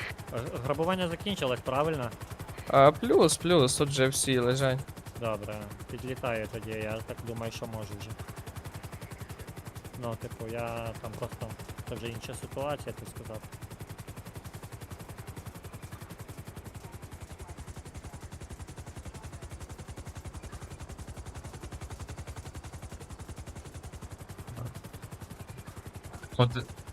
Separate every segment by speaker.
Speaker 1: Грабування закінчилось, правильно?
Speaker 2: Плюс, тут же всі лежать.
Speaker 1: Добре, підлітаю тоді, я так думаю, що можу вже. Ну, типу, я там просто... Це вже інша ситуація, ти сказав.
Speaker 3: От...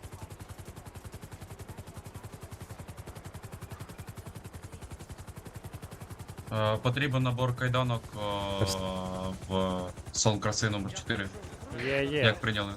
Speaker 3: Потрібен набор кайданок в салон краси номер 4.
Speaker 1: Є.
Speaker 3: Як прийняли?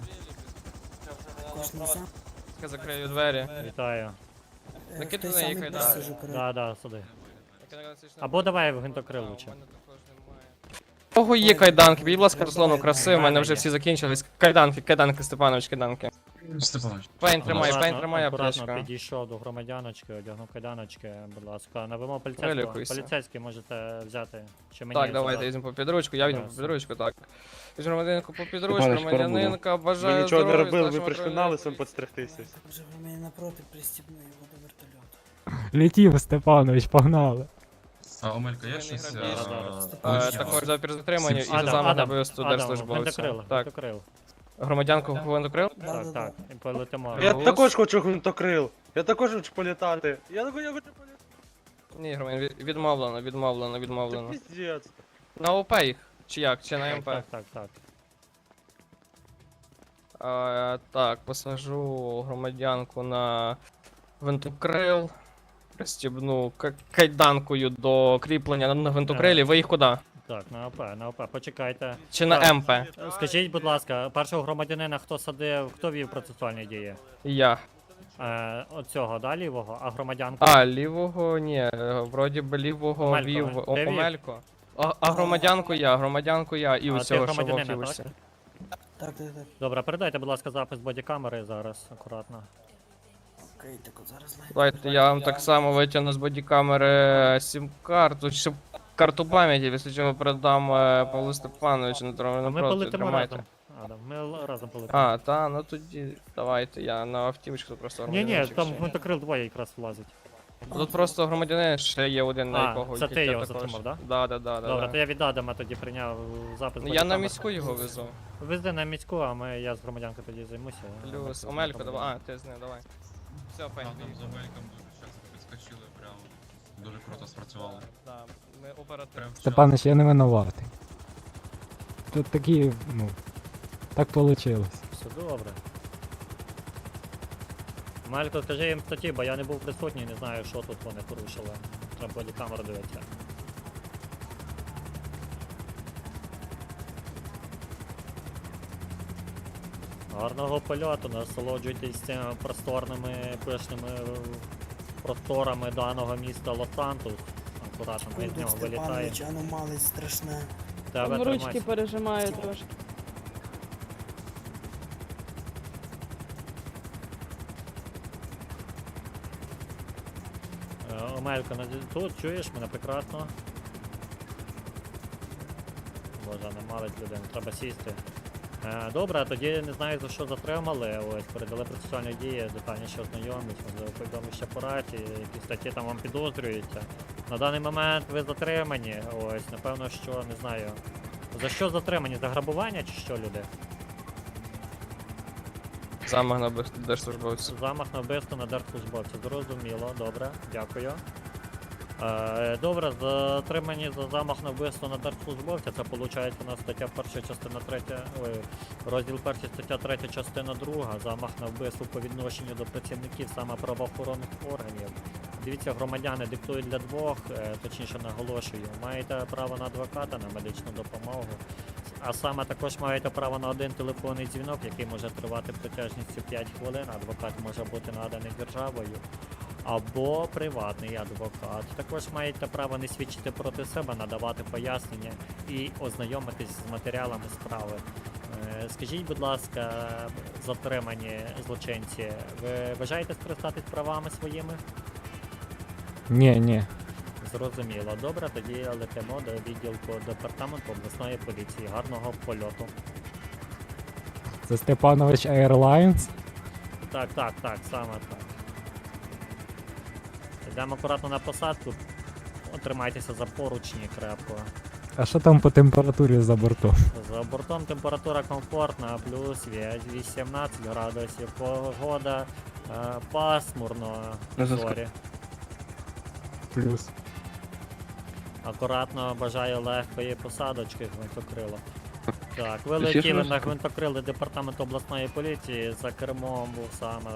Speaker 2: Я закрию двері.
Speaker 1: Вітаю.
Speaker 2: Накидай на її кайдани.
Speaker 1: Да, сюди. Або давай в гвинтокрил лучше.
Speaker 2: Кого є кайданки? Будь ласка, Руслану краси, у мене вже всі закінчились. Кайданки, Степанович, кайданки.
Speaker 3: Степанович.
Speaker 2: Пейн тримай,
Speaker 1: Акуратно
Speaker 2: аптечка.
Speaker 1: підійшов до громадяночки, одягнув кайданочки, будь ласка. Навимо
Speaker 2: Прилікуйся.
Speaker 1: поліцейського. Поліцейський можете взяти. Чи мені
Speaker 2: Так, давайте
Speaker 1: забрати?
Speaker 2: візьмемо по підручку, я візьму по
Speaker 1: Ясно.
Speaker 2: підручку, так. Візьму громадянку по підручку,
Speaker 4: Степанович,
Speaker 2: громадянинка,
Speaker 4: Ви
Speaker 2: бажаю
Speaker 4: нічого не
Speaker 2: здоров'я,
Speaker 4: робили, ви
Speaker 2: старшому
Speaker 4: прийшли на
Speaker 2: патрульному
Speaker 4: лисом
Speaker 2: поліції.
Speaker 4: підстригтися.
Speaker 5: Вже ви мене напроти пристібну його до вертольоту.
Speaker 6: Летів, Степанович, погнали.
Speaker 3: Омелька, є щось?
Speaker 2: Також за перезатримання і за
Speaker 1: Адам,
Speaker 2: замах на
Speaker 1: Адам,
Speaker 2: вбивство
Speaker 1: Адам,
Speaker 2: держслужбовця.
Speaker 1: гвинтокрил,
Speaker 2: Так,
Speaker 1: гвинтокрил.
Speaker 2: громадянку гвинтокрил?
Speaker 1: Так, так, і полетимо.
Speaker 4: Я
Speaker 2: Голос?
Speaker 4: також хочу гвинтокрил. Я також хочу політати. Я хочу політати.
Speaker 2: Ні, громадян, відмовлено.
Speaker 4: Це піздець.
Speaker 2: На ОП їх? Чи як? Чи на МП?
Speaker 1: Так.
Speaker 2: Так, посажу громадянку на гвинтокрил. Пристібну кайданкою до кріплення на гвинтокрилі. Ви їх куди?
Speaker 1: Так, на ОП, почекайте.
Speaker 2: Чи на МП?
Speaker 1: Скажіть, будь ласка, першого громадянина хто садив, хто вів процесуальні дії?
Speaker 2: Я.
Speaker 1: Оцього, да, лівого, а громадянку?
Speaker 2: Лівого ні, вроді би лівого
Speaker 1: Омелько,
Speaker 2: вів
Speaker 1: де вів?
Speaker 2: Омелько. А громадянку я і
Speaker 1: А ти
Speaker 2: усього, що в
Speaker 1: громадянина,
Speaker 2: Оківусі.
Speaker 5: Так.
Speaker 1: Добре, передайте, будь ласка, запис бодікамери зараз, акуратно.
Speaker 5: Окей, так от зараз знайду.
Speaker 2: Давайте я вам так само витягну з бодікамери сім-карту, щоб карту пам'яті, після чого передам Павлу Степановичу
Speaker 1: А
Speaker 2: напроти,
Speaker 1: ми полетимо
Speaker 2: тримайте.
Speaker 1: разом. Адам, ми разом полетимо.
Speaker 2: Ну тоді давайте, я на автівочку просто
Speaker 1: Ні,
Speaker 2: громадянчик
Speaker 1: там
Speaker 2: ще.
Speaker 1: гвинтокрил двоє якраз влазить.
Speaker 2: Тут просто громадянин ще є один, на якого
Speaker 1: це ти
Speaker 2: тільки
Speaker 1: його
Speaker 2: також.
Speaker 1: затримав, да?
Speaker 2: Да.
Speaker 1: Добре, то я від Адама тоді прийняв запис
Speaker 2: Ну, я на
Speaker 1: бодікамер.
Speaker 2: міську його везу.
Speaker 1: Везди на міську, а я з громадянкою тоді займуся.
Speaker 2: Плюс Омелько, давай. Ти з ним, давай. Все,
Speaker 3: Там
Speaker 2: пень.
Speaker 3: з Омельком дуже часто підскочили, прям дуже круто спрацювали.
Speaker 2: Да, ми оперативно.
Speaker 3: Прям вчасно.
Speaker 6: Степанович, я не винуватий. Тут такі, так вийшло.
Speaker 1: Все добре. Малько, скажи їм статті, бо я не був присутній, не знаю, що тут вони порушили. Треба бодікамеру дивитися. Гарного польоту, насолоджуйтесь цими просторними, пишними просторами даного міста Лос-Сантос. Акуратно, ми з
Speaker 5: Секунду,
Speaker 1: нього вилітаємо.
Speaker 5: Степанович, аномалий страшне.
Speaker 1: Тебе
Speaker 7: Там ручки
Speaker 1: тримайся.
Speaker 7: пережимаю трошки.
Speaker 1: Омелько, тут чуєш мене прекрасно. Боже, не малить людину, треба сісти. Добре, тоді не знаю за що затримали. Ось, передали процесуальні дії, детальніше ознайомлюсь, можливо, повідомлю ще по раті, які статті там вам підозрюються. На даний момент ви затримані, ось, напевно, що, не знаю. За що затримані? За грабування чи що, люди?
Speaker 2: Замах на держслужбовця.
Speaker 1: Замах на вбивство на держслужбовця. Зрозуміло, добре, дякую. Добре, затримані за замах на вбивство на держслужбовця, це виходить у нас стаття 1, частина 3, розділ 1, стаття 3, частина 2, замах на вбивство по відношенню до працівників саме правоохоронних органів. Дивіться, громадяни диктують для двох, точніше наголошую, маєте право на адвоката, на медичну допомогу, а саме також маєте право на один телефонний дзвінок, який може тривати протяжністю 5 хвилин, адвокат може бути наданий державою. Або приватний адвокат. Також маєте право не свідчити проти себе, надавати пояснення і ознайомитись з матеріалами справи. Скажіть, будь ласка, затримані злочинці, ви бажаєте скористатись правами своїми?
Speaker 6: Ні.
Speaker 1: Зрозуміло. Добре, тоді летимо до відділку департаменту обласної поліції. Гарного польоту.
Speaker 6: Це Степанович Airlines.
Speaker 1: Так, саме так. Йдемо акуратно на посадку. Тримайтеся за поручні крепко.
Speaker 6: А що там по температурі за бортом?
Speaker 1: За бортом температура комфортна, плюс 18 градусів. Погода пасмурно. Зорі.
Speaker 6: Плюс.
Speaker 1: Акуратно бажаю легкої посадочки гвинтокрила. Так, ви
Speaker 7: Всі ж
Speaker 1: летіли на
Speaker 7: розкрили.
Speaker 1: гвинтокрили департаменту обласної поліції, за кермом був саме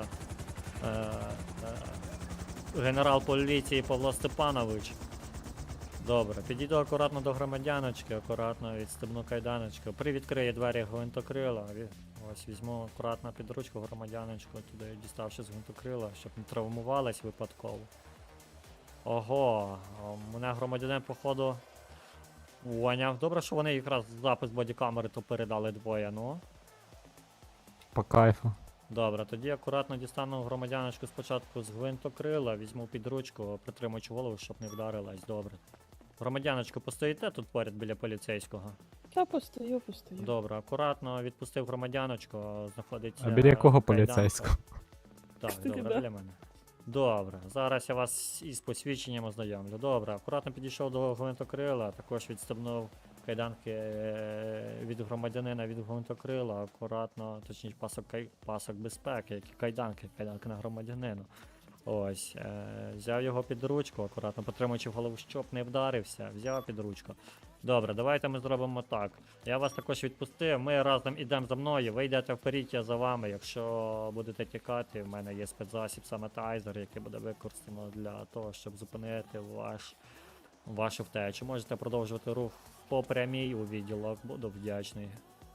Speaker 1: генерал поліції Павло Степанович. Добре, підійду акуратно до громадяночки, акуратно відстебну кайданочку, привідкрию двері гвинтокрила, ось візьму акуратно під ручку громадяночку, туди діставши з гвинтокрила, щоб не травмувалась випадково. Ого, у мене громадянин походу поняв. Добре, що вони якраз запис бодікамери то передали двоє, ну.
Speaker 6: По кайфу.
Speaker 1: Добре, тоді акуратно дістану громадяночку спочатку з гвинтокрила, візьму під ручку, притримуючи голову, щоб не вдарилась. Добре. Громадяночку, постоїте тут поряд біля поліцейського?
Speaker 8: Та постою.
Speaker 1: Добре, акуратно відпустив громадяночку, знаходиться.
Speaker 6: А біля якого
Speaker 1: кайданка.
Speaker 6: поліцейського?
Speaker 1: Так,
Speaker 8: Кстати,
Speaker 1: добре,
Speaker 8: да.
Speaker 1: біля мене. Добре, зараз я вас із посвідченням ознайомлю. Добре, акуратно підійшов до гвинтокрила, також відстебнув кайданки від громадянина від гвинтокрила, акуратно, точніше пасок безпеки, які кайданки на громадянину. Ось, взяв його під ручку, акуратно потримуючи голову, щоб не вдарився, взяв під ручку. Добре, давайте ми зробимо так. Я вас також відпустив, ми разом ідемо за мною, ви йдете вперед, я за вами. Якщо будете тікати, в мене є спецзасіб, саме тайзер, який буде використано для того, щоб зупинити вашу втечу. Можете продовжувати рух по прямій у відділок, буду вдячний.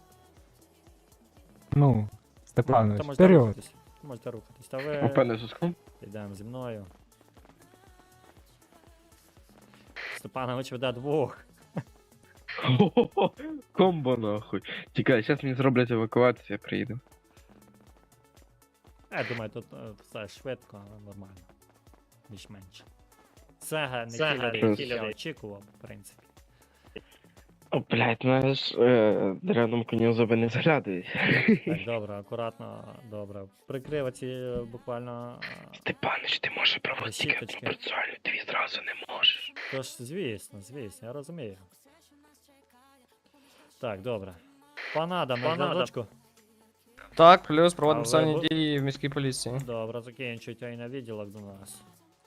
Speaker 6: Ну, Степанович,
Speaker 1: Та можете
Speaker 6: вперед.
Speaker 1: рухатись. Можете рухатись. Та ви
Speaker 7: Пане Суском?
Speaker 1: йдемо зі мною. Степанович веде двох.
Speaker 7: Комбо нахуй. Тікай, зараз мені зроблять евакуацію, я приїду.
Speaker 1: Я думаю, тут все швидко, але нормально. Більш-менш. Це не кілер, я очікував, в принципі.
Speaker 7: О, блядь, знаєш, дряному коню зуби не заглядають.
Speaker 1: Так, добре, акуратно, добре. Прикрив ці буквально.
Speaker 7: Степанич, ти можеш проводити тільки
Speaker 1: Решіточки.
Speaker 7: процесуальну, дві зразу не можеш.
Speaker 1: Тож, звісно, я розумію. Так, добре. Пан Адам, на зв'язочку.
Speaker 2: Так, плюс проводимо
Speaker 1: А ви
Speaker 2: писальні
Speaker 1: бу-
Speaker 2: дії в міській поліції.
Speaker 1: Добре, закінчуйте і на відділок до нас.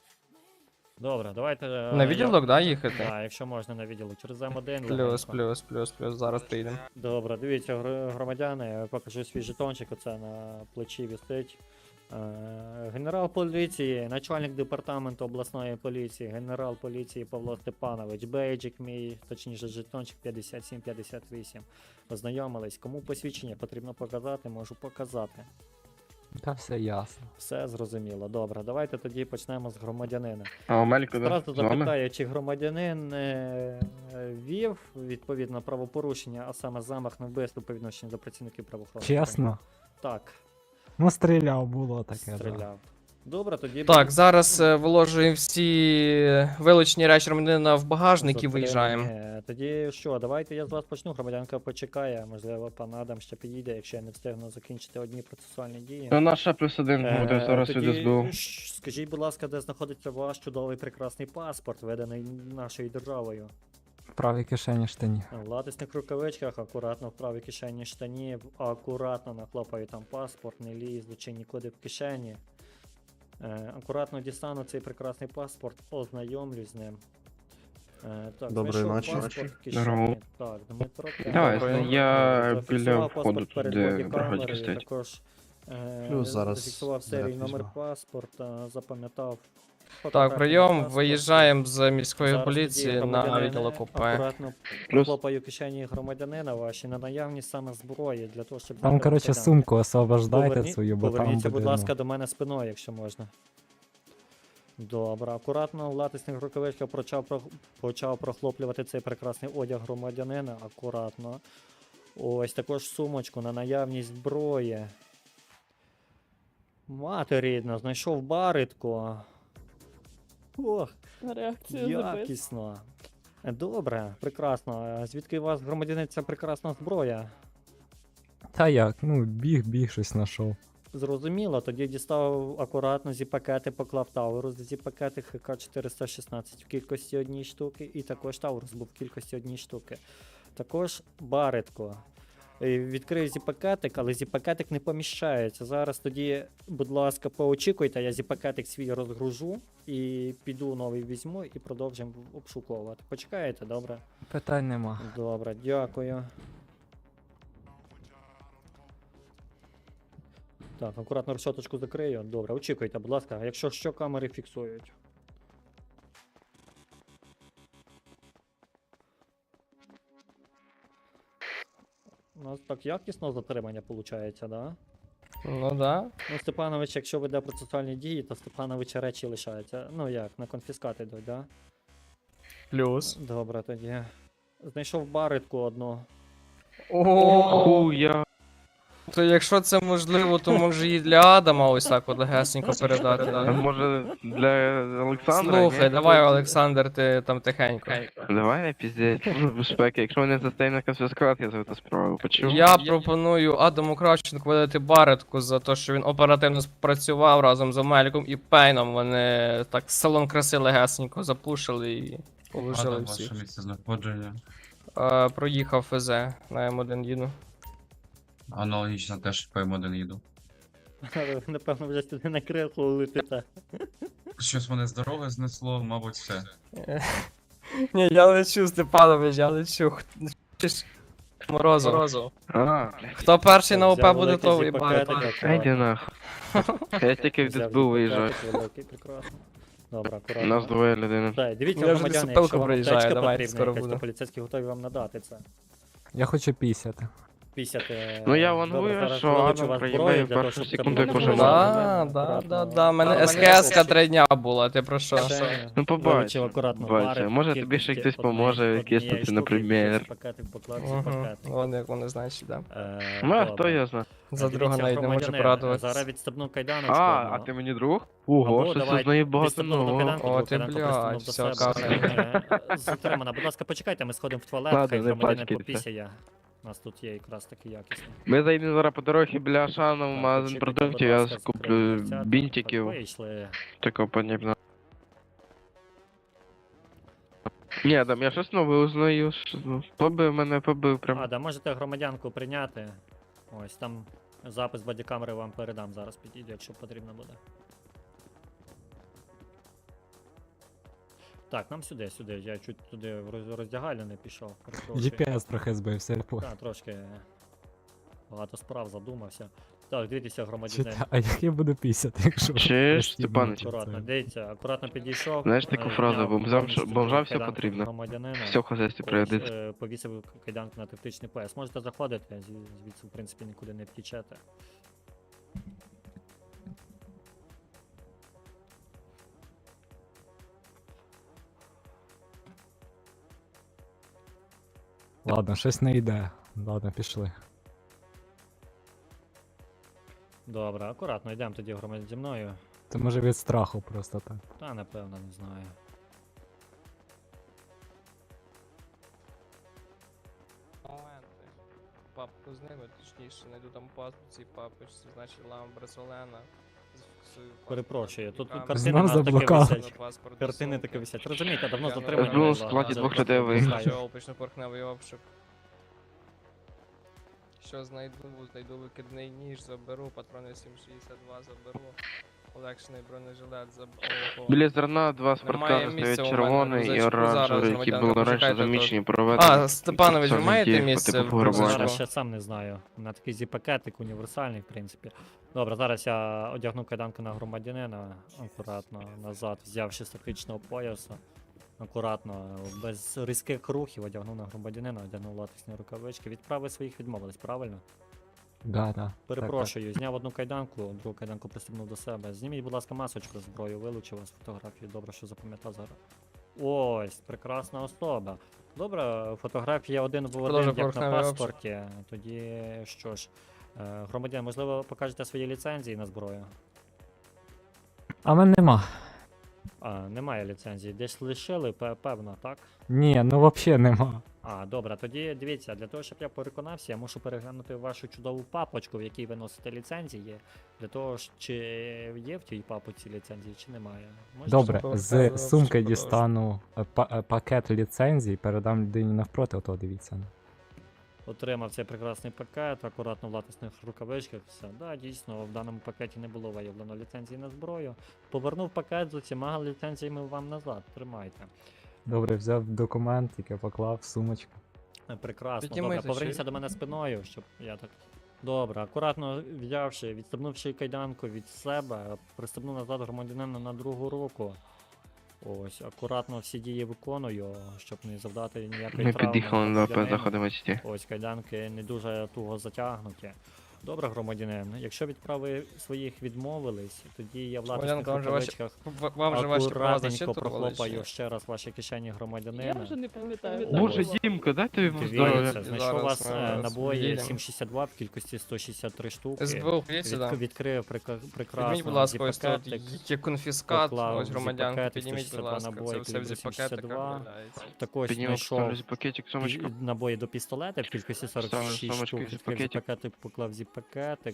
Speaker 1: Добре, давайте.
Speaker 2: На відділок, да, їхати?
Speaker 1: Так, якщо можна на відділок. Через М1.
Speaker 2: Плюс,
Speaker 1: легенько.
Speaker 2: зараз приїдемо.
Speaker 1: Добре, дивіться, громадяни, я покажу свій жетончик, оце на плечі висить. Генерал поліції, начальник департаменту обласної поліції, генерал поліції Павло Степанович, бейджик мій, точніше жетончик 5758. Ознайомились, кому посвідчення потрібно показати, можу показати.
Speaker 6: Та все ясно.
Speaker 1: Все зрозуміло. Добре, давайте тоді почнемо з громадянина.
Speaker 7: А Омелько, да?
Speaker 1: Зразу
Speaker 7: З вами?
Speaker 1: запитаю, чи громадянин вів відповідно правопорушення, а саме замах на вбивство по відношенню до працівників правоохоронних.
Speaker 6: Чесно.
Speaker 1: Так,
Speaker 6: Ну, стріляв, було таке. Да.
Speaker 1: стріляв. Добре, тоді
Speaker 2: Так, зараз виложуємо всі вилучені речі громадянина в багажник і виїжджаємо.
Speaker 1: Тоді що, давайте я з вас почну, громадянка почекає, можливо, пан Адам ще підійде, якщо я не встигну закінчити одні процесуальні дії.
Speaker 7: Ну, наша +1 буде зараз від
Speaker 1: Тоді
Speaker 7: СБУ.
Speaker 1: скажіть, будь ласка, де знаходиться ваш чудовий прекрасний паспорт, виданий нашою державою?
Speaker 6: В правій кишені штані.
Speaker 1: В латисних рукавичках, акуратно в правій кишені штанів, акуратно нахлопаю там паспорт, не лізучи нікуди в кишені. Акуратно дістану цей прекрасний паспорт, ознайомлюсь з ним. Так,
Speaker 4: Доброї
Speaker 1: знайшов
Speaker 4: ночі.
Speaker 1: паспорт в
Speaker 7: Здорово.
Speaker 1: кишені. Так, Дмитро.
Speaker 7: Давай,
Speaker 1: Добре.
Speaker 7: я
Speaker 1: Зафіксував
Speaker 7: біля
Speaker 1: паспорт
Speaker 7: входу тут,
Speaker 1: перед
Speaker 7: де
Speaker 1: бодікамерою,
Speaker 7: бригадки стоять.
Speaker 1: Також
Speaker 4: Плюс зараз
Speaker 1: зафіксував серій
Speaker 4: заряд
Speaker 1: номер
Speaker 4: візьму.
Speaker 1: паспорта, запам'ятав.
Speaker 2: Так,
Speaker 1: фотографію
Speaker 2: прийом,
Speaker 1: паспорта.
Speaker 2: виїжджаємо з міської
Speaker 1: Зараз
Speaker 2: поліції
Speaker 1: тоді
Speaker 2: на
Speaker 1: громадянина
Speaker 2: відділок ОП.
Speaker 1: Акуратно
Speaker 7: Плюс.
Speaker 1: хлопаю кишені громадянина ваші на наявність саме зброї для того, щоб...
Speaker 6: Там,
Speaker 1: зняти
Speaker 6: коротше,
Speaker 1: кайданки.
Speaker 6: сумку освобождайте
Speaker 1: Поверні-
Speaker 6: свою, бо там
Speaker 1: Поверніться,
Speaker 6: буде,
Speaker 1: будь ласка,
Speaker 6: ну,
Speaker 1: до мене спиною, якщо можна. Добре, акуратно в латисних рукавичках почав прохлоплювати цей прекрасний одяг громадянина. Акуратно. Ось також сумочку на наявність зброї. Мати рідна, знайшов баритку. Ох,
Speaker 8: Реакцію запис.
Speaker 1: якісно. Добре, прекрасно. А звідки у вас, громадянин, ця прекрасна зброя?
Speaker 6: Та як, ну, біг, щось знайшов.
Speaker 1: Зрозуміло, тоді дістав акуратно зі-пакети, поклав Таурус, зі-пакети ХК-416 в кількості однієї штуки, і також Таурус був в кількості однієї штуки. Також Баретко. Відкрив зі-пакетик, але зі-пакетик не поміщається. Зараз тоді, будь ласка, поочікуйте, я зі-пакетик свій розгружу і піду новий візьму і продовжимо обшуковувати. Почекаєте, добре?
Speaker 6: Питань нема.
Speaker 1: Добре, дякую. Так, акуратно решеточку закрию. Добре, очікуйте, будь ласка, якщо що, камери фіксують. У нас так якісно затримання виходить, да?
Speaker 2: Ну да.
Speaker 1: Ну, Степанович, якщо веде процесуальні дії, то Степановича речі лишаються. Ну як, на конфіскат йдуть, да?
Speaker 2: Плюс.
Speaker 1: Добре, тоді. Знайшов баритку одну.
Speaker 2: Ого.
Speaker 7: Хуя.
Speaker 2: То якщо це можливо, то може і для Адама ось так от легесенько передати.
Speaker 7: А
Speaker 2: Да?
Speaker 7: може для Олександра?
Speaker 2: Слухай,
Speaker 7: ні?
Speaker 2: давай, Олександр, ти там тихенько.
Speaker 7: Давай не піздець, служба безпеки. Якщо мене застає на конфіскат, я за це справу. Почув?
Speaker 2: Я пропоную Адаму Кравченку видати баретку за те, що він оперативно спрацював разом з Омельком і Пейном. Вони так салон краси легесенько запушили і положили
Speaker 3: Адам,
Speaker 2: всіх.
Speaker 3: ваше місце знаходження.
Speaker 2: Проїхав ФЗ на М1 їду.
Speaker 3: Аналогічно теж по М1 їду.
Speaker 1: Напевно, вже сюди на криху летите.
Speaker 3: Щось мене з дороги знесло, мабуть, все.
Speaker 2: Ні, я лечу, Степанович, я лечу. Морозов.
Speaker 7: А,
Speaker 2: Хто перший на ОП
Speaker 1: Взяв
Speaker 2: буде,
Speaker 1: великий
Speaker 2: то і
Speaker 1: зіп-пакетик,
Speaker 2: баретку.
Speaker 7: йди нахуй. Я тільки в
Speaker 1: Взяв
Speaker 7: ДСБУ виїжджаю.
Speaker 1: зіп-пакетик великий, прекрасно. Добре, акуратно.
Speaker 7: Нас двоє людини.
Speaker 1: Так, дивіться,
Speaker 2: Я вже
Speaker 1: громадяни,
Speaker 2: лісопилку
Speaker 1: якщо вам
Speaker 2: проїжджаю,
Speaker 1: аптечка
Speaker 2: давайте,
Speaker 1: потрібна,
Speaker 2: скоро
Speaker 1: якась,
Speaker 2: буде.
Speaker 1: то поліцейські готові вам надати це.
Speaker 6: Я хочу пісяти.
Speaker 1: 50.
Speaker 7: Ну, я
Speaker 1: Добре,
Speaker 7: вангую,
Speaker 1: зараз
Speaker 7: що
Speaker 1: вилучу
Speaker 7: Адам
Speaker 1: вас
Speaker 7: проїбає
Speaker 1: зброю
Speaker 7: в
Speaker 1: для того,
Speaker 7: першу
Speaker 1: щоб
Speaker 7: секунду,
Speaker 1: це
Speaker 7: як
Speaker 1: було
Speaker 7: уже
Speaker 1: можливо.
Speaker 2: Да. Мене СКС 3 дня була, ти про що?
Speaker 1: Ще
Speaker 7: Ну, побачимо,
Speaker 1: вилучив акуратно
Speaker 7: побачимо.
Speaker 1: бари,
Speaker 7: Може,
Speaker 1: в
Speaker 7: тобі ще
Speaker 1: кількості
Speaker 7: хтось поможе,
Speaker 1: однієї
Speaker 7: якийсь
Speaker 1: штуки,
Speaker 7: тут, наприклад.
Speaker 1: пакетик поклав,
Speaker 2: Угу.
Speaker 1: пакетик.
Speaker 2: Вон як вони значить, да.
Speaker 7: Ну, а
Speaker 1: Добре.
Speaker 7: хто я знаю?
Speaker 2: За
Speaker 1: Дивіться,
Speaker 2: друга навіть не можу
Speaker 1: громадянин,
Speaker 2: порадуватися.
Speaker 1: Зараз відстебну кайданочку.
Speaker 7: А
Speaker 1: одну.
Speaker 7: ти мені друг? Ого,
Speaker 1: Або
Speaker 7: щось
Speaker 1: давай
Speaker 7: тут знає багато
Speaker 1: відстебну одну
Speaker 7: нового.
Speaker 1: кайданку,
Speaker 2: О,
Speaker 1: другу
Speaker 2: ти,
Speaker 1: кайданку
Speaker 2: блядь,
Speaker 1: пристебнув до
Speaker 2: все,
Speaker 1: себе. Затримана. Будь ласка, почекайте, ми сходимо в туалет,
Speaker 7: Ладно,
Speaker 1: хай
Speaker 7: не
Speaker 1: громадянин
Speaker 7: пачкайте.
Speaker 1: попісяє. У нас тут є якраз таки якісно.
Speaker 7: Ми заїдемо зараз по дорозі біля Ашану в
Speaker 1: Так,
Speaker 7: магазин
Speaker 1: очікуйте, будь
Speaker 7: продуктів, я
Speaker 1: ласка,
Speaker 7: куплю
Speaker 1: закрийте дверцята.
Speaker 7: бінтиків,
Speaker 1: Так, вийшли.
Speaker 7: такого подібного. Ні, Адам, я щось нове узнаю. Побив мене, побив прям.
Speaker 1: А, да, можете громадянку прийняти. Ось там запис бодікамери вам передам, зараз підійду, якщо потрібно буде. Так, нам сюди, я чуть туди в роздягальню не пішов. перепрошую.
Speaker 6: GPS трохи збився, я понял.
Speaker 1: Так, трошки багато справ задумався. Так, дивіться, громадянин.
Speaker 6: А як я буду пісяти, якщо...
Speaker 7: Чуєш,
Speaker 6: пристібнути
Speaker 7: Степанич?
Speaker 1: Акуратно,
Speaker 6: це?
Speaker 1: дивіться, акуратно підійшов.
Speaker 7: Знаєш таку фразу,
Speaker 1: зняв повністю
Speaker 7: бомжам все
Speaker 1: кайданку
Speaker 7: потрібно.
Speaker 1: громадянина.
Speaker 7: Все в хазяйстві
Speaker 1: Ось,
Speaker 7: пригодиться.
Speaker 1: повісив кайданку на тактичний пояс. Можете заходити, звідси, в принципі, нікуди не втічете.
Speaker 6: Ладно, щось не йде. Ладно, пішли.
Speaker 1: Добре, акуратно, йдемо тоді громадян зі мною.
Speaker 6: Це може від страху просто так.
Speaker 1: Та, напевно, не знаю.
Speaker 2: Моменти. Папку з ними, точніше, знайду там паспорт папочці, значить Ламбресолена.
Speaker 1: Перепрошую, тут
Speaker 2: Камера.
Speaker 1: картини
Speaker 6: Знов
Speaker 1: нас таки
Speaker 6: заблукав.
Speaker 1: висять.
Speaker 2: Паспорт,
Speaker 1: Картини
Speaker 2: сумки.
Speaker 1: таки висять. Розумієте, давно
Speaker 2: Я
Speaker 1: затримані.
Speaker 7: Розбив
Speaker 1: була.
Speaker 7: в складі
Speaker 1: За-
Speaker 7: двох
Speaker 1: за-
Speaker 7: людей
Speaker 1: за-
Speaker 7: виїхав.
Speaker 2: Що опично-порохневий обшук. Що знайду викидний ніж, заберу, патрони 7,62 заберу, полегшений бронежилет заберу.
Speaker 7: Біля зерна два
Speaker 2: Немає
Speaker 7: спорткари
Speaker 2: місця
Speaker 7: стоять
Speaker 2: у мене,
Speaker 7: червоний і
Speaker 2: рюкзачку. Зараз,
Speaker 7: оранжевий, які
Speaker 2: громадяни,
Speaker 7: були раніше
Speaker 2: почекайте,
Speaker 7: замічені проведені.
Speaker 2: А, Степанович, ви
Speaker 7: спеціальних
Speaker 2: маєте
Speaker 7: дій по
Speaker 2: місце
Speaker 7: типу
Speaker 2: в
Speaker 7: пограбування.
Speaker 2: рюкзачку?
Speaker 1: Зараз ще сам не знаю. На такий зі-пакетик універсальний, в принципі. Добре, зараз я одягну кайданку на громадянина, акуратно назад, взявши з тактичного пояса. Акуратно, без різких рухів одягну на громадянина, одягнув латексні рукавички. Від прави своїх відмовились, правильно?
Speaker 6: Да, да.
Speaker 1: Перепрошую, зняв одну кайданку, другу кайданку пристебнув до себе. Зніміть, будь ласка, масочку з зброю, вилучив вас фотографію. Добре, що запам'ятав зараз. Ось, прекрасна особа. Добре, фотографія один в один,
Speaker 2: Продовжуй
Speaker 1: як на
Speaker 2: поверхневий обшук.
Speaker 1: паспорті. Тоді що ж, громадян, можливо, покажете свої ліцензії на зброю?
Speaker 6: А мене нема.
Speaker 1: А, немає ліцензії. Десь лишили, певно, так?
Speaker 6: Ні, ну взагалі нема.
Speaker 1: Добре, тоді дивіться, для того, щоб я переконався, я мушу переглянути вашу чудову папочку, в якій ви носите ліцензії. Для того, чи є в тій папочці ліцензії, чи немає. Можете
Speaker 6: Добре,
Speaker 2: що
Speaker 6: з
Speaker 2: показувати,
Speaker 6: сумки
Speaker 2: що
Speaker 6: дістану пакет ліцензій, передам людині навпроти, ото дивіться.
Speaker 1: Отримав цей прекрасний пакет, акуратно в латексних рукавичках, все. Да, дійсно, в даному пакеті не було виявлено ліцензії на зброю. Повернув пакет з усіма ліцензіями вам назад, тримайте.
Speaker 6: Добре, взяв документ, який поклав в сумочку.
Speaker 1: Прекрасно,
Speaker 2: Піднімайте,
Speaker 1: добре, поверніться
Speaker 2: чуєш?
Speaker 1: до мене спиною, щоб я так. Добре, акуратно взявши, відстебнувши кайданку від себе, пристебнув назад громадянина на другу руку. Ось, акуратно всі дії виконую, щоб не завдати ніякої
Speaker 7: Ми
Speaker 1: травми.
Speaker 7: під'їхали до
Speaker 1: громадянину.
Speaker 7: заходимо сіті.
Speaker 1: Ось кайданки не дуже туго затягнуті. Добре, громадянин, якщо від прави своїх відмовились, тоді я в латексних
Speaker 2: Громадянка, вам же ваші-
Speaker 1: рукавичках
Speaker 2: Вам же ваші права
Speaker 1: акуратненько
Speaker 2: зачитували?
Speaker 1: прохлопаю ще раз ваші кишені
Speaker 8: Я
Speaker 1: громадянина.
Speaker 8: вже не пам'ятаю.
Speaker 7: Боже,
Speaker 1: Ось.
Speaker 7: Дімко, дайте йому
Speaker 1: Дивіться,
Speaker 7: здоров'я.
Speaker 1: знайшов
Speaker 2: Зараз
Speaker 1: у вас
Speaker 2: ми
Speaker 1: набої
Speaker 2: їдемо.
Speaker 1: 7,62 в кількості 163 штуки.
Speaker 2: СБУ, підіть сюди.
Speaker 1: Відкрив прекрасно.
Speaker 2: Підніміть, будь ласка, ось тут
Speaker 1: зіп-пакетик.
Speaker 2: є конфіскат,
Speaker 1: поклав
Speaker 2: ось громадянки,
Speaker 1: зіп-пакетик,
Speaker 2: підніміть, будь
Speaker 1: 162
Speaker 2: ласка,
Speaker 1: набої,
Speaker 2: це все в
Speaker 1: калібр
Speaker 2: зіп-пакетиках
Speaker 1: 72.
Speaker 2: валяється.
Speaker 1: Також
Speaker 7: Підніму,
Speaker 1: знайшов
Speaker 7: поставлю пакетик, сумочку.
Speaker 1: набої до пістолета в кількості 46
Speaker 7: сумочку,
Speaker 1: штук. Відкрив
Speaker 7: зіп-пакетик.
Speaker 1: зіп-пакетик, поклав зіп-пакетик.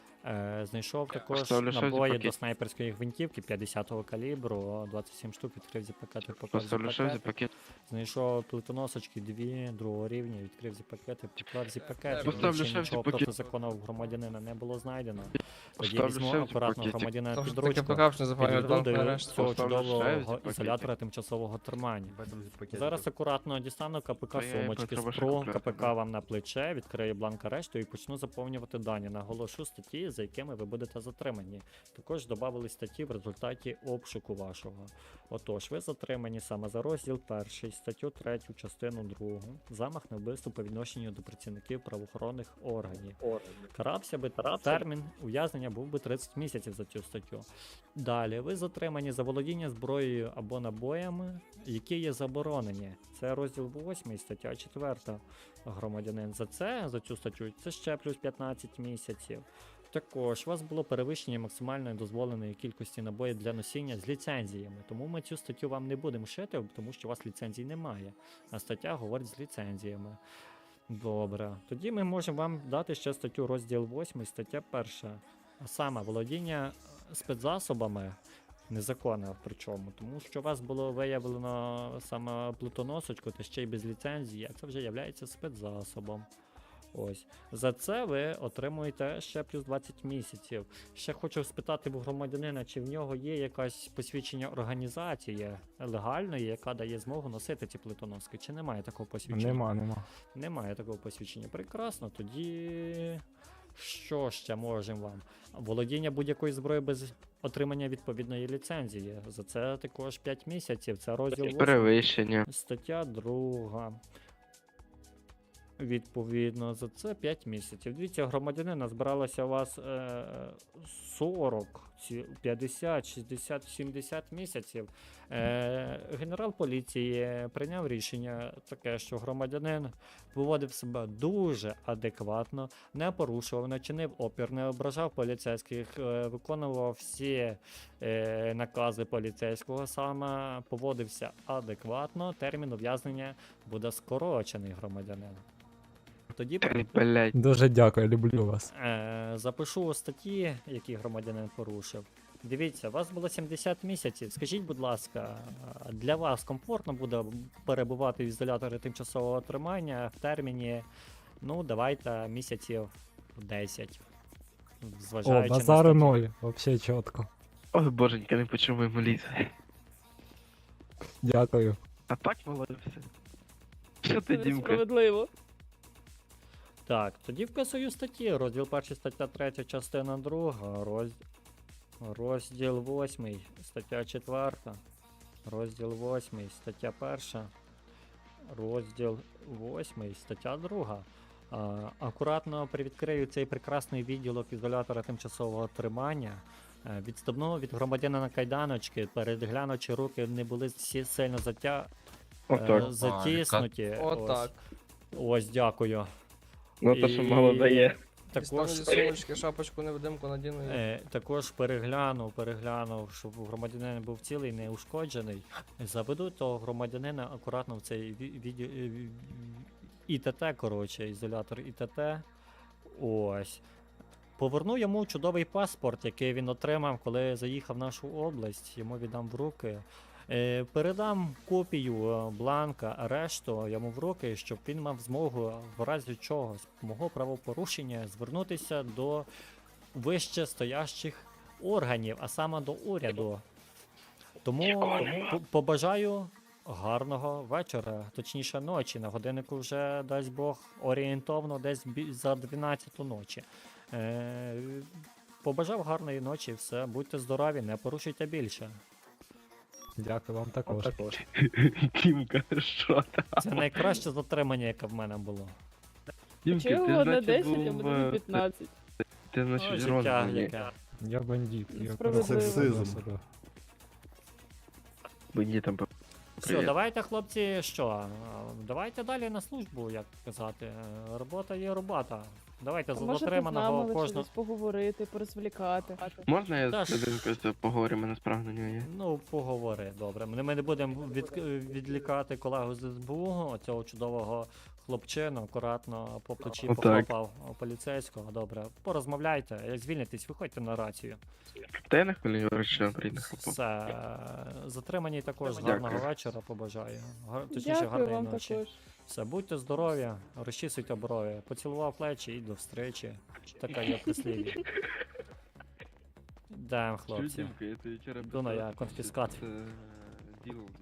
Speaker 1: Знайшов також
Speaker 7: Поставлю ще
Speaker 1: набої до
Speaker 7: зіп-пакет.
Speaker 1: снайперської гвинтівки 50-го калібру, 27 штук, відкрив зіп-пакетик, поклав
Speaker 7: Поставлю ще
Speaker 1: зіп-пакетик.
Speaker 7: пакет.
Speaker 1: Знайшов плитоносочки 2 другого рівня, відкрив зіп-пакети, поклав зіп-пакети.
Speaker 7: Поставлю
Speaker 1: Більше
Speaker 7: ще в
Speaker 1: нічого
Speaker 7: зіп-пакет.
Speaker 1: проти закону в громадянина не було знайдено. Тоді
Speaker 7: Поставлю
Speaker 1: візьму
Speaker 7: ще в
Speaker 1: акуратно
Speaker 7: зіп-пакетик.
Speaker 1: громадянина
Speaker 2: Тому
Speaker 1: під
Speaker 2: що таке
Speaker 1: ручку,
Speaker 2: покапшне заповнює
Speaker 1: підведу
Speaker 2: банк
Speaker 1: до
Speaker 2: арешт.
Speaker 1: цього
Speaker 7: Поставлю ще в
Speaker 1: чудового
Speaker 7: зіп-пакетик.
Speaker 1: ізолятора тимчасового тримання. Зараз акуратно дістану КПК
Speaker 7: Та я
Speaker 1: сумочки,
Speaker 7: треба ще
Speaker 1: спру
Speaker 7: купляти,
Speaker 1: КПК
Speaker 7: да.
Speaker 1: вам на плече, відкрию бланк арешту і почну заповнювати дані. Наголошу статті, за якими ви будете затримані. Також додавали статті в результаті обшуку вашого. Отож, ви затримані саме за розділ 1, статтю 3, частину 2, замах на вбивство по відношенню до працівників правоохоронних органів. Карався би термін ув'язнення був би 30 місяців за цю статтю. Далі, ви затримані за володіння зброєю або набоями, які є заборонені. Це розділ 8, стаття 4. Громадянин за цю статтю, це ще плюс 15 місяців. Також у вас було перевищення максимальної дозволеної кількості набоїв для носіння з ліцензіями, тому ми цю статтю вам не будемо шити, тому що у вас ліцензій немає, а стаття говорить з ліцензіями. Добре, тоді ми можемо вам дати ще статтю розділ 8, стаття 1, а саме володіння спецзасобами, незаконне причому, тому що у вас було виявлено саме плитоносочку, та ще й без ліцензії, а це вже є спецзасобом. Ось. За це ви отримуєте ще плюс 20 місяців. Ще хочу спитати в громадянина, чи в нього є якась посвідчення організації легальної, яка дає змогу носити ці плитоноски, чи немає такого посвідчення?
Speaker 6: Нема.
Speaker 1: Немає такого посвідчення. Прекрасно, тоді що ще можемо вам? Володіння будь-якої зброї без отримання відповідної ліцензії. За це також 5 місяців. Це розділ 8.
Speaker 7: Перевищення.
Speaker 1: Стаття 2. Відповідно, за це 5 місяців. Дивіться, громадянина збиралося у вас 40, 50, 60, 70 місяців. Генерал поліції прийняв рішення таке, що громадянин поводив себе дуже адекватно, не порушував, не чинив опір, не ображав поліцейських, виконував всі накази поліцейського, саме поводився адекватно, термін ув'язнення буде скорочений громадянин. Тоді
Speaker 7: Блять.
Speaker 6: Дуже дякую, люблю вас.
Speaker 1: запишу статті, які громадянин порушив. Дивіться, у вас було 70 місяців. Скажіть, будь ласка, для вас комфортно буде перебувати в ізоляторі тимчасового тримання в терміні, ну, давайте, місяців 10.
Speaker 6: О,
Speaker 1: Зважаючи
Speaker 6: базару
Speaker 1: на статтю.
Speaker 6: 0, вообще чітко.
Speaker 7: Ой, боженька, не почув моєму ліс.
Speaker 6: Дякую.
Speaker 7: А так молодець. Що ти,
Speaker 8: Це
Speaker 7: Дімка?
Speaker 8: несправедливо.
Speaker 1: Так, тоді вписую статті. Розділ 1, стаття 3, частина 2, розділ 8, стаття 4, розділ 8, стаття 1, розділ 8, стаття 2. Акуратно привідкрию цей прекрасний відділок ізолятора тимчасового тримання. Відступну від громадянина кайданочки, переглянучи руки, не були всі сильно затіснуті.
Speaker 2: Отак.
Speaker 1: Ось, дякую.
Speaker 7: Ну то, що мало дає.
Speaker 2: Дістану
Speaker 1: Також,
Speaker 2: зі сумочки, шапочку невидимку надіну.
Speaker 1: також переглянув, щоб громадянин був цілий, не ушкоджений. Заведу того громадянина акуратно в цей ІТТ, коротше, ізолятор ІТТ. Ось. Поверну йому чудовий паспорт, який він отримав, коли заїхав в нашу область. Йому віддам в руки. Передам копію бланка арешту йому в руки, щоб він мав змогу в разі чогось мого правопорушення звернутися до вище стоящих органів, а саме до уряду. Тому побажаю гарного вечора, точніше ночі. На годиннику вже, дасть Бог, орієнтовно десь за 12 ночі. Побажав гарної ночі, все, будьте здорові, не порушуйте більше.
Speaker 6: Дякую вам також.
Speaker 7: Тімка, що там?
Speaker 1: Це найкраще затримання, яке в мене було.
Speaker 7: Тімка,
Speaker 8: Чого
Speaker 7: ти
Speaker 8: одне
Speaker 7: значить
Speaker 8: 10, а
Speaker 7: був...
Speaker 8: мене 15?
Speaker 7: Ти
Speaker 1: Ой,
Speaker 7: значить
Speaker 1: життя
Speaker 7: розданий.
Speaker 1: яке.
Speaker 6: Я бандит. Я
Speaker 8: Справедливо.
Speaker 6: сексизм. Себе.
Speaker 7: Бандитам по...
Speaker 1: Все,
Speaker 7: Привіт.
Speaker 1: давайте, хлопці, що? Давайте далі на службу, як казати. Робота є робота. Давайте за
Speaker 8: Можете з
Speaker 1: затриманого
Speaker 8: нами лише
Speaker 1: кожного.
Speaker 8: десь поговорити, порозвлікати.
Speaker 7: Можна я
Speaker 1: Та
Speaker 7: з
Speaker 1: ж-
Speaker 7: один просто поговорю, мене справа на нього є?
Speaker 1: Ну, поговори, добре. Ми не будемо відлікати колегу з СБУ, оцього чудового хлопчину, акуратно по плечі
Speaker 7: Отак.
Speaker 1: похлопав поліцейського. Добре, порозмовляйте, як звільнитесь, виходьте на рацію.
Speaker 7: Та я не хвилюю, що прийде хлопок.
Speaker 1: Все, затримані також
Speaker 7: Дякую.
Speaker 1: гарного вечора побажаю. Точніше,
Speaker 8: Дякую
Speaker 1: гарної
Speaker 8: вам
Speaker 1: ночі.
Speaker 8: також.
Speaker 1: Все, будьте здорові, розчісуйте брові. Поцілував плечі і до встречі. Така є прислів'я. Йдемо, хлопці.
Speaker 7: Тімка, я тобі вчора
Speaker 1: Йду на я, конфіскат.
Speaker 7: Діло